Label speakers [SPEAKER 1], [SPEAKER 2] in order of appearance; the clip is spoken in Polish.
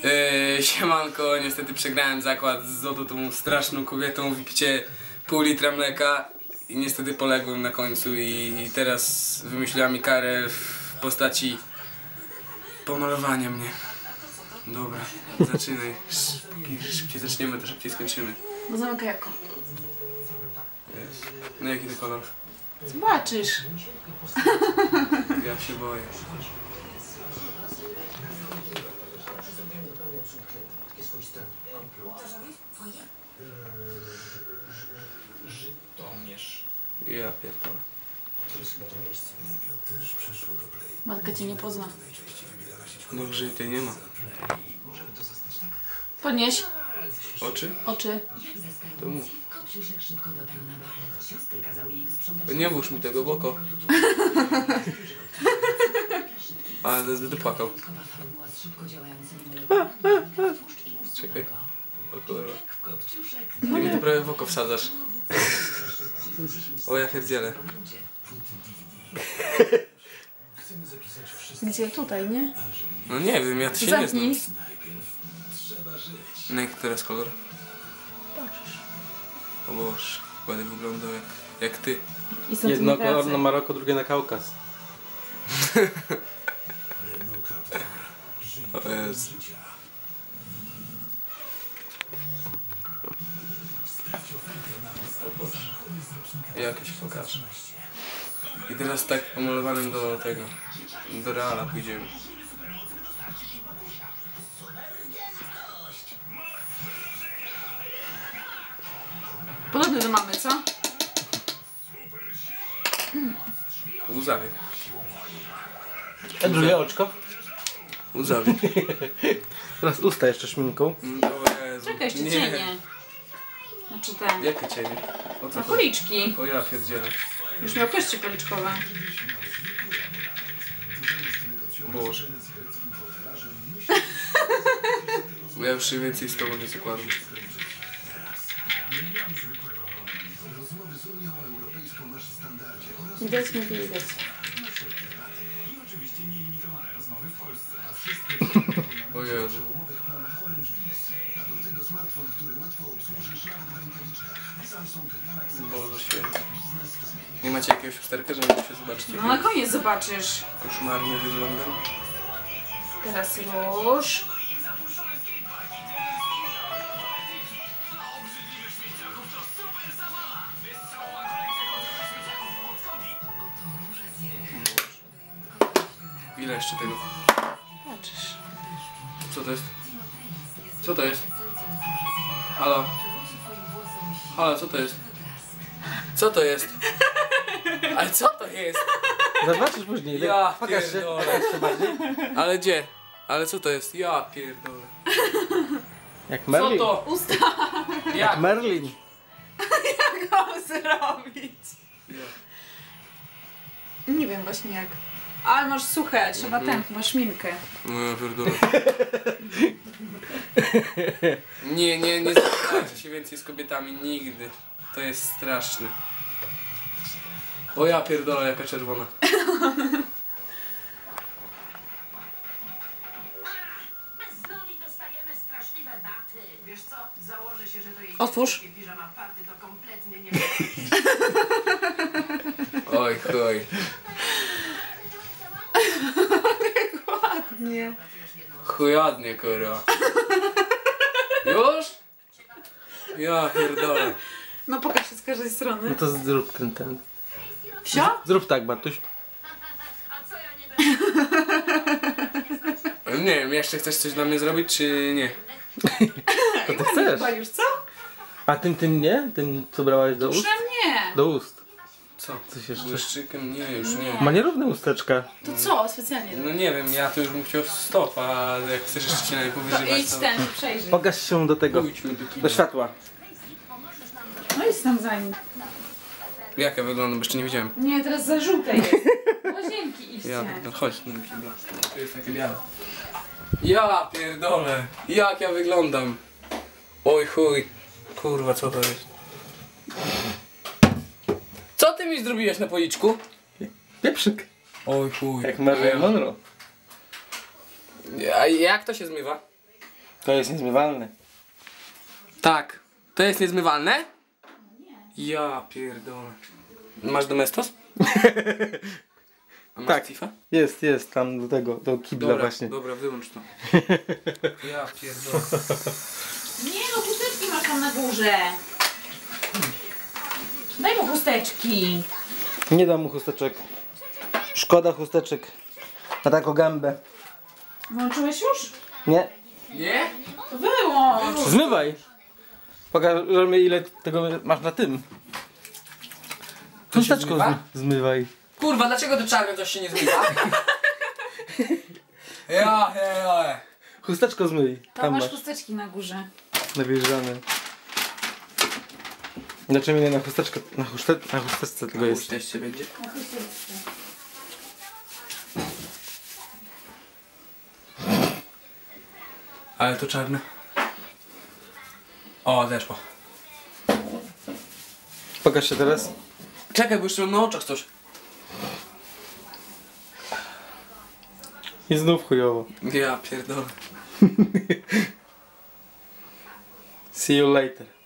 [SPEAKER 1] Siemanko, niestety przegrałem zakład z Zoto, tą straszną kobietą, wypicie pół litra mleka i niestety poległem na końcu i teraz wymyśliła mi karę w postaci pomalowania mnie. Dobra, zaczynaj. Szybciej zaczniemy, to szybciej skończymy.
[SPEAKER 2] Bo zamykaj oko.
[SPEAKER 1] Jest. No jaki to kolor?
[SPEAKER 2] Zobaczysz.
[SPEAKER 1] Ja się boję. Ja pierdolę.
[SPEAKER 2] Matka cię nie pozna.
[SPEAKER 1] Dobrze, tej nie ma.
[SPEAKER 2] Podnieś.
[SPEAKER 1] Oczy?
[SPEAKER 2] Oczy.
[SPEAKER 1] To mów. Nie włóż mi tego w oko. Ale będę płakał. Czekaj. O kurwa. Ty mi to prawie w oko wsadzasz. O ja pierdzielę.
[SPEAKER 2] Gdzie? Tutaj, nie?
[SPEAKER 1] No nie wiem, ja to się nie znam. No jaki teraz kolor? O Boże, będę wyglądał jak ty.
[SPEAKER 3] Jedno kolor na Maroko, drugie na Kaukaz.
[SPEAKER 1] O Jezu. Jakieś pokażę. I teraz tak pomalowanym do tego, do Reala pójdziemy.
[SPEAKER 2] Podobny do mamy, co?
[SPEAKER 1] Łzawie.
[SPEAKER 3] A drugie oczko?
[SPEAKER 1] Łzawie.
[SPEAKER 3] Teraz usta jeszcze szminką.
[SPEAKER 1] O Jezu.
[SPEAKER 2] Czekaj, jeszcze cienie. Znaczy ten.
[SPEAKER 1] Jakie cienie? O co
[SPEAKER 2] Na
[SPEAKER 1] chodzi?
[SPEAKER 2] policzki.
[SPEAKER 1] O ja pierdzielę.
[SPEAKER 2] Już miał kości policzkowe.
[SPEAKER 1] Boże. Bo ja już się więcej z tobą nie zakładam.
[SPEAKER 2] Widać, nie widać.
[SPEAKER 1] O Jezu. Boże święty. Nie macie jakiegoś usterka, że możecie się zobaczyć?
[SPEAKER 2] No na koniec zobaczysz.
[SPEAKER 1] Koszmarnie wyglądam.
[SPEAKER 2] Teraz róż.
[SPEAKER 1] Ile jeszcze tego?
[SPEAKER 2] Patrzysz.
[SPEAKER 1] Co to jest? Co to jest? Halo? Halo, co to jest? Co to jest? Ale co to jest?
[SPEAKER 3] Zobaczysz później.
[SPEAKER 1] Ja
[SPEAKER 3] Pokaż się.
[SPEAKER 1] pierdolę.
[SPEAKER 3] Jeszcze bardziej.
[SPEAKER 1] Ale gdzie? Ale co to jest? Ja pierdolę.
[SPEAKER 3] Jak
[SPEAKER 1] Co
[SPEAKER 3] Merlin.
[SPEAKER 1] to?
[SPEAKER 2] Usta.
[SPEAKER 1] Jak?
[SPEAKER 3] Merlin.
[SPEAKER 2] Jak go zrobić? Nie wiem właśnie jak. Ale masz suche, trzeba masz szminkę.
[SPEAKER 1] No ja pierdolę. Nie zapoznajcie się więcej z kobietami nigdy. To jest straszne. O ja pierdolę, jaka czerwona.
[SPEAKER 4] Wiesz co? Założę się, że to jej
[SPEAKER 2] Otwórz.
[SPEAKER 4] piżama party to kompletnie nie
[SPEAKER 1] Oj chuj.
[SPEAKER 2] Nie.
[SPEAKER 1] Chujadnie kurwa. Już? Ja pierdolę.
[SPEAKER 2] No pokaż się z każdej strony.
[SPEAKER 3] No to zrób ten.
[SPEAKER 2] Wsio?
[SPEAKER 3] Zrób tak, Bartuś.
[SPEAKER 1] Nie wiem, jeszcze chcesz coś dla mnie zrobić, czy nie?
[SPEAKER 3] To ty chcesz.
[SPEAKER 2] Chyba już co?
[SPEAKER 3] A tym nie? Tym co brałaś do ust?
[SPEAKER 2] Tuszem nie.
[SPEAKER 3] Do ust.
[SPEAKER 1] Co?
[SPEAKER 3] Coś jeszcze.
[SPEAKER 1] Błyszczykiem? Nie, już nie.
[SPEAKER 3] Ma nierówne usteczka.
[SPEAKER 2] To co? Specjalnie.
[SPEAKER 1] No nie wiem, ja to już bym chciał stop, a jak chcesz jeszcze się na nie
[SPEAKER 2] To
[SPEAKER 1] powyżywać,
[SPEAKER 2] idź
[SPEAKER 1] to...
[SPEAKER 2] ten, przejrzyj.
[SPEAKER 3] Pokaż się do tego.
[SPEAKER 1] Pójdźmy do kina.
[SPEAKER 3] Do światła.
[SPEAKER 2] No idź tam za nim.
[SPEAKER 1] Jak ja wyglądam, bo jeszcze nie widziałem.
[SPEAKER 2] Nie, teraz za żółte jest. Łazienki idźcie.
[SPEAKER 1] Ja pierdolę, chodź, nie wiem, to jest takie białe. Ja pierdolę, jak ja wyglądam. Oj chuj, kurwa, co to jest? Co ty mi zrobiłeś na policzku?
[SPEAKER 3] Pieprzyk.
[SPEAKER 1] Oj chuj.
[SPEAKER 3] Jak Marilyn Monroe.
[SPEAKER 1] A jak to się zmywa?
[SPEAKER 3] To jest niezmywalne.
[SPEAKER 1] Tak. To jest niezmywalne? Ja pierdolę. Masz Domestos? A masz
[SPEAKER 3] Tak.
[SPEAKER 1] Tifa?
[SPEAKER 3] Jest, tam do tego, do kibla właśnie.
[SPEAKER 1] Dobra, wyłącz to. Ja pierdolę.
[SPEAKER 2] Nie no, chusteczki masz tam na górze. Daj mu chusteczki.
[SPEAKER 3] Nie dam mu chusteczek. Szkoda chusteczek. Na taką gębę.
[SPEAKER 2] Włączyłeś już?
[SPEAKER 3] Nie?
[SPEAKER 1] Nie?
[SPEAKER 2] To wyłącz.
[SPEAKER 3] Zmywaj! Pokażemy ile tego masz na tym. Chusteczką
[SPEAKER 1] zmywa?
[SPEAKER 3] zmywaj.
[SPEAKER 1] Kurwa, dlaczego to czarne coś się nie zmywa? ja.
[SPEAKER 3] Chusteczką zmyj.
[SPEAKER 2] Tam masz
[SPEAKER 3] masz.
[SPEAKER 2] chusteczki na górze.
[SPEAKER 3] Nawilżane. Znaczy mnie na chusteczkę, na chusteczce tego jest.
[SPEAKER 1] Teście będzie. Ale to czarne. O, zeszło.
[SPEAKER 3] Pokaż się teraz.
[SPEAKER 1] Czekaj, bo jeszcze mam na oczach coś.
[SPEAKER 3] I znów chujowo.
[SPEAKER 1] Ja pierdolę.
[SPEAKER 3] See you later.